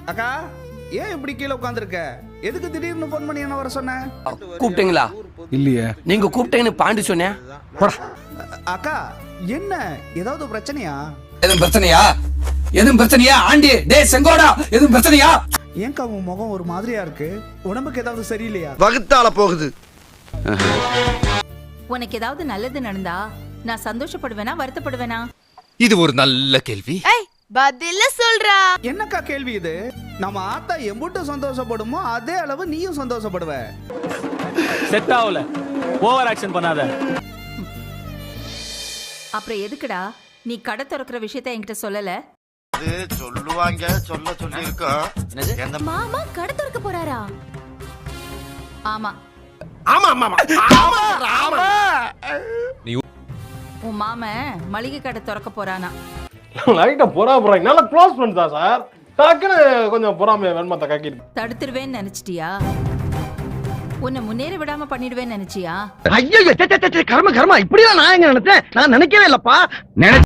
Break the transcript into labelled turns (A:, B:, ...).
A: அக்கா ஏன் இப்படி கீழே உட்காந்துருக்க? எதுக்கு திடீர்னு போன் பண்ணி என்ன வர சொன்ன?
B: கூப்பிட்டீங்களா?
C: இல்லையே.
B: நீங்க கூப்பிட்டேன்னு பாண்டி சொன்னேன்.
A: அக்கா என்ன ஏதாவது பிரச்சனையா?
D: எதுவும் பிரச்சனையா? எதுவும் பிரச்சனையா? ஆண்டி டே செங்கோடா எதுவும் பிரச்சனையா?
A: ஏன்க்கா உன் முகம் ஒரு மாதிரியா இருக்கு? உடம்புக்கு ஏதாவது சரியில்லையா?
E: வகுத்தால போகுது.
F: உனக்கு ஏதாவது நல்லது நடந்தா நான் சந்தோஷப்படுவேனா வருத்தப்படுவேனா?
G: இது ஒரு நல்ல கேள்வி.
H: பதில சொல்றா.
A: என்னக்கா கேள்வி இது? நம்ம ஆத்தா எம்புட்டு சந்தோஷப்படுமோ அதே அளவு நீயும் சந்தோஷப்படுவ.
C: செட் ஆகல. ஓவர் ஆக்ஷன் பண்ணாத.
F: அப்புறம் எதுக்குடா நீ கடை திறக்கிற விஷயத்த என்கிட்ட சொல்லல?
E: சொல்லுவாங்க, சொல்ல சொல்லி இருக்கோம்.
H: மாமா கடை திறக்க போறாரா?
F: ஆமா.
E: ஆமா ஆமா ஆமா.
F: உன் மாமன் மளிகை கடை திறக்க போறானா?
I: லைட்டா போறாங்க. நல்லா க்ளோஸ் ஃப்ரெண்ட்ஸ் தான் சார். டக்குன்னு கொஞ்சம் பொறாமைய வெண்மத்தை காக்கிட்டு.
F: தடுத்துருவேன்னு நினைச்சிட்டியா? உன்னை முன்னேற விடாம பண்ணிடுவேன்னு நினைச்சியா?
E: ஐயோ கர்ம இப்படிதான் நான் எங்க நினைச்சேன். நான் நினைக்கவே இல்லப்பா.